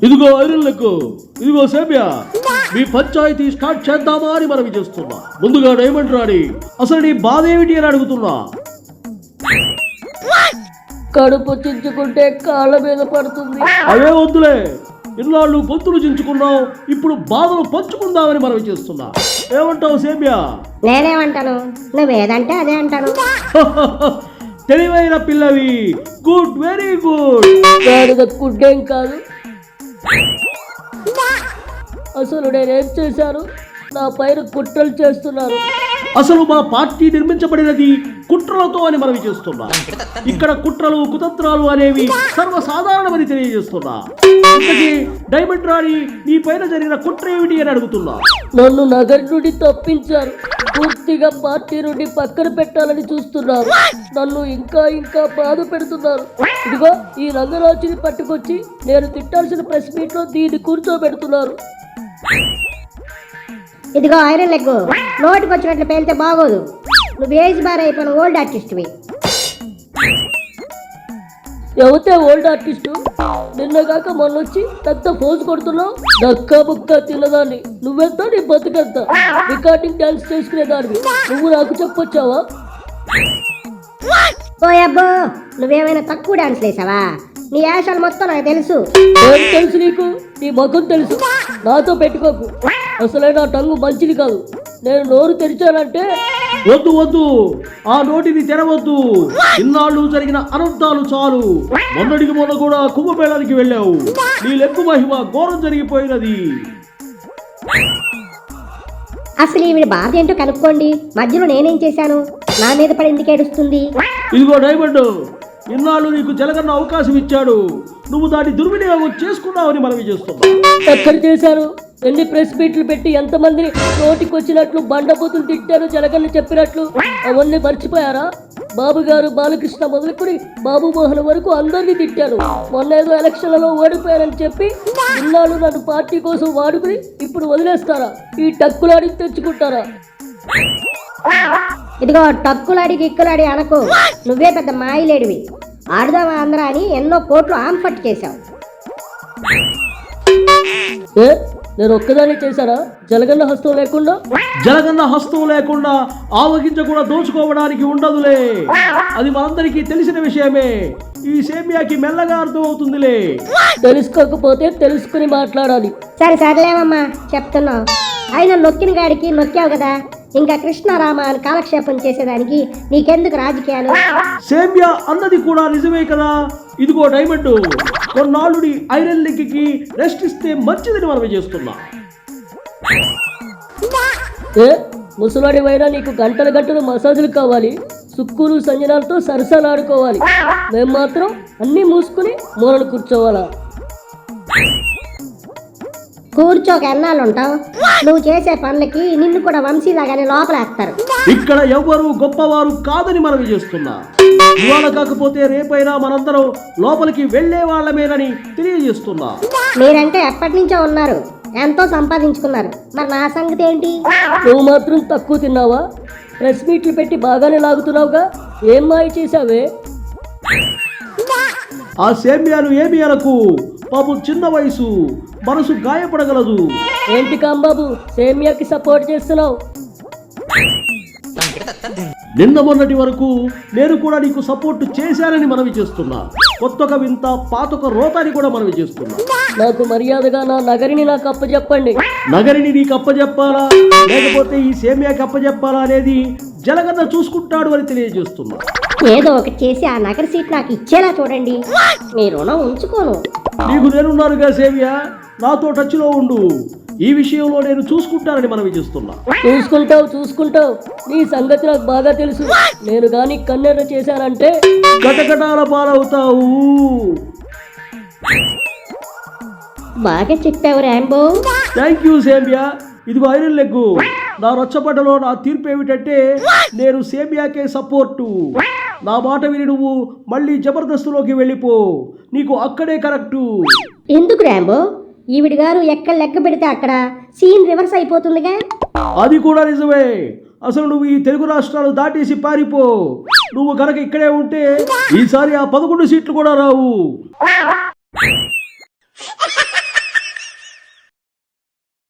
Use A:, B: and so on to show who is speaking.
A: ఇదిగో ఐరన్లకు, ఇదిగో సేమ్యా, మీ పంచాయతీ స్టార్ట్ చేద్దామా అని మనవి చేస్తున్నా. ముందుగా డైమండ్ రాణి, అసలు నీ బాధ ఏమిటి అని అడుగుతున్నా.
B: కడుపు చించుకుంటే కాళ్ళ మీద పడుతుంది.
A: అవే వద్దులే, ఇన్నాళ్ళు గొంతులు చించుకున్నావు, ఇప్పుడు బాధలు పంచుకుందామని మనవి చేస్తున్నా. ఏమంటావు సేమ్యా?
C: నేనేమంటాను, నువ్వేదంటే అదే అంటాను.
A: తెలివైన పిల్లవి, గుడ్, వెరీ గుడ్.
B: గాడిద గుడ్డేం కాదు. అసలు నేనేం చేశాను? నా పైన కుట్రలు చేస్తున్నారు.
A: అసలు మా పార్టీ నిర్మించబడినది కుట్రలతో అని మనవి చేస్తున్నా. ఇక్కడ కుట్రలు కుతంత్రాలు అనేవి సర్వసాధారణమని తెలియజేస్తున్నా. ఇంతకీ డైమండ్ రాణి, నీ పైన జరిగిన కుట్ర ఏమిటి అని అడుగుతున్నా.
B: నన్ను నగరి నుండి తప్పించారు. పూర్తిగా పార్టీ నుండి పక్కన పెట్టాలని చూస్తున్నారు. నన్ను ఇంకా ఇంకా బాధ పెడుతున్నారు. ఇదిగో ఈ రంగరాజుని పట్టుకొచ్చి నేను తిట్టాల్సిన ప్రెస్ మీట్ లో దీన్ని కూర్చోబెడుతున్నారు.
C: ఇదిగో ఐరన్ లెగ్, నోటికి వచ్చినట్లు పేలితే బాగోదు. నువ్వు ఏజ్ బార్ అయిపోయిన ఓల్డ్ ఆర్టిస్ట్వి.
B: ఎవతే ఓల్డ్ ఆర్టిస్టు? నిన్నగాక మొన్నొచ్చి పెద్ద పోజు కొడుతున్నావు. దక్కా బుక్క తిన్నదాన్ని. నువ్వెంత, నీ బతుకెంత? రికార్డింగ్ డాన్స్ చేసుకునేదాన్ని నువ్వు నాకు చెప్పొచ్చావా?
C: ఓ అబ్బో, నువ్వేమైనా తక్కువ డాన్స్ వేసావా? నీ యాషాలు మొత్తం నాకు తెలుసు.
B: ఏం తెలుసు నీకు? నీ ముఖం తెలుసు. నాతో పెట్టుకోకు. అసలే నా టంగు మంచిది కాదు. నేను నోరు తెరిచానంటే
A: వద్దు వద్దు, ఆ నోటిని తెరవద్దు. ఇన్నాళ్ళు జరిగిన అనర్థాలు చాలు. మొన్నటికి మొన్న కూడా కుంభమేళానికి వెళ్ళావు. నీ లెక్కు మహిమ ఘోరం జరిగిపోయినది.
C: అసలు ఈవిడ బాధ ఏంటో కనుక్కోండి. మధ్యలో నేనేం చేశాను? నా మీద పడి ఎందుకు ఏడుస్తుంది?
A: ఇదిగో డైమండ్, ఇన్నాళ్ళు నీకు జలగన్న అవకాశం ఇచ్చాడు. నువ్వు దాన్ని దుర్వినియోగం చేసుకున్నావని మనవి చేస్తున్నావు.
B: ఎక్కడ చేశారు? ఎన్ని ప్రెస్ మీట్లు పెట్టి ఎంతమందిని నోటికి వచ్చినట్లు బండబూతులు తిట్టారు జలగన్న చెప్పినట్లు? అవన్నీ మర్చిపోయారా? బాబు గారు బాలకృష్ణ మొదలుకొని బాబు మోహన్ వరకు అందరినీ తిట్టారు. మొన్న ఏదో ఎలక్షన్లలో ఓడిపోయారని చెప్పి ఇన్నాళ్ళు నన్ను పార్టీ కోసం వాడుకుని ఇప్పుడు వదిలేస్తారా? ఈ టక్కులాడి తెచ్చుకుంటారా?
C: ఇదిగో టక్కులాడి గిక్కులాడి అనకు. నువ్వే పెద్ద మాయిలేడివి. ఆడుదామా ఆంధ్ర అని ఎన్నో కోట్లు ఆంపట్టు చేశావు.
B: ఏ, నేను ఒక్కదాన్ని చేశానా? జలగన్న హస్తం లేకుండా?
A: జలగన్న హస్తం లేకుండా ఆవగింజ కూడా దోచుకోవడానికి ఉండదులే. అది మనందరికీ తెలిసిన విషయమే. ఈ సేమ్యాకి మెల్లగా అర్థం అవుతుందిలే.
B: తెలుసుకోకపోతే తెలుసుకుని మాట్లాడాలి.
C: సరే సర్లేవమ్మా, చెప్తున్నావు. అయినా నొక్కిన గాడికి నొక్కావు కదా, ఇంకా కృష్ణారామ అని కాలక్షేపం చేసేదానికి నీకెందుకు రాజకీయాలు?
A: సేమ్యా అన్నది కూడా నిజమే కదా. ఇదిగో డైమండ్, కొన్నాళ్ళుడి ఐరన్ లెగ్కి రెస్ట్ ఇస్తే మంచిదని మనం చేస్తున్నా.
B: ఏ ముసలాడి వైనా నీకు గంటల గంటలు మసాజులు కావాలి. సుక్కులు సంజనాలతో సరసాలు ఆడుకోవాలి. మేము మాత్రం అన్నీ మూసుకుని మూలలు కూర్చోవాలా?
C: కూర్చోక ఎన్నాళ్ళు ఉంటావు? నువ్వు చేసే పనులకి నిన్ను కూడా వంశీలాగానే లోపలేస్తారు.
A: ఇక్కడ ఎవ్వరు గొప్పవారు కాదని మనవి చేస్తున్నా. ఇవాళ కాకపోతే రేపైనా మనందరం లోపలికి వెళ్లే వాళ్ళమేనని తెలియజేస్తున్నా.
C: మీరంటే ఎప్పటి నుంచో ఉన్నారు, ఎంతో సంపాదించుకున్నారు. మరి నా సంగతి ఏంటి?
B: నువ్వు మాత్రం తక్కువ తిన్నావా? ప్రెస్ మీట్లు పెట్టి బాగానే లాగుతున్నావుగా. ఏం మాయ చేశావే?
A: ఆ సేమ్యాను ఏమి అనకు. పాపం చిన్న వయసు, మనసు గాయపడగలదు.
B: ఏంటి కాంబాబు, సేమ్యాకి సపోర్ట్ చేస్తున్నావు?
A: నిన్న మొన్నటి వరకు నేను కూడా నీకు సపోర్ట్ చేశానని మనవి చేస్తున్నా. కొత్తొక వింత పాతొక రోతాని కూడా మనవి చేస్తున్నా.
B: నాకు మర్యాదగా నా నగరిని నాకు అప్పచెప్పండి.
A: నగరిని నీకు అప్పచెప్పాలా లేకపోతే ఈ సేమ్యాకి అప్పచెప్పాలా అనేది జలగన్న చూసుకుంటాడు అని తెలియజేస్తున్నా.
C: ఏదో ఒకటి చేసి ఆ నగర సీట్ నాకు ఇచ్చేలా చూడండి. మీ రుణం ఉంచుకోను.
A: నీకు నేనున్నానుగా సేమ్యా, నాతో టచ్లో ఉండు. ఈ విషయంలో నేను చూసుకుంటానని మనవి చేస్తున్నా.
B: చూసుకుంటావు. నీ సంగతి నాకు బాగా తెలుసు. నేను గాని కన్నెర్ర చేశానంటే
A: కటకటాల పాలవుతావు.
C: బాగా చెప్పావు రాంబో.
A: థ్యాంక్ యూ సేమ్యా. ఇదిగో ఐరన్ లెగ్గు, నా రచ్చబడ్డలో నా తీర్పు ఏమిటంటే నేను సేమ్యాకే సపోర్టు. నా మాట విని నువ్వు మళ్ళీ జబర్దస్తులోకి వెళ్ళిపో. నీకు అక్కడే కరెక్టు.
C: ఎందుకు రాంబో? ఈవిడ గారు ఎక్కడ లెక్క పెడితే అక్కడ సీన్ రివర్స్ అయిపోతుందిగా.
A: అది కూడా నిజమే. అసలు నువ్వు ఈ తెలుగు రాష్ట్రాలు దాటేసి పారిపో. నువ్వు కనుక ఇక్కడే ఉంటే ఈసారి ఆ 11 సీట్లు కూడా రావు.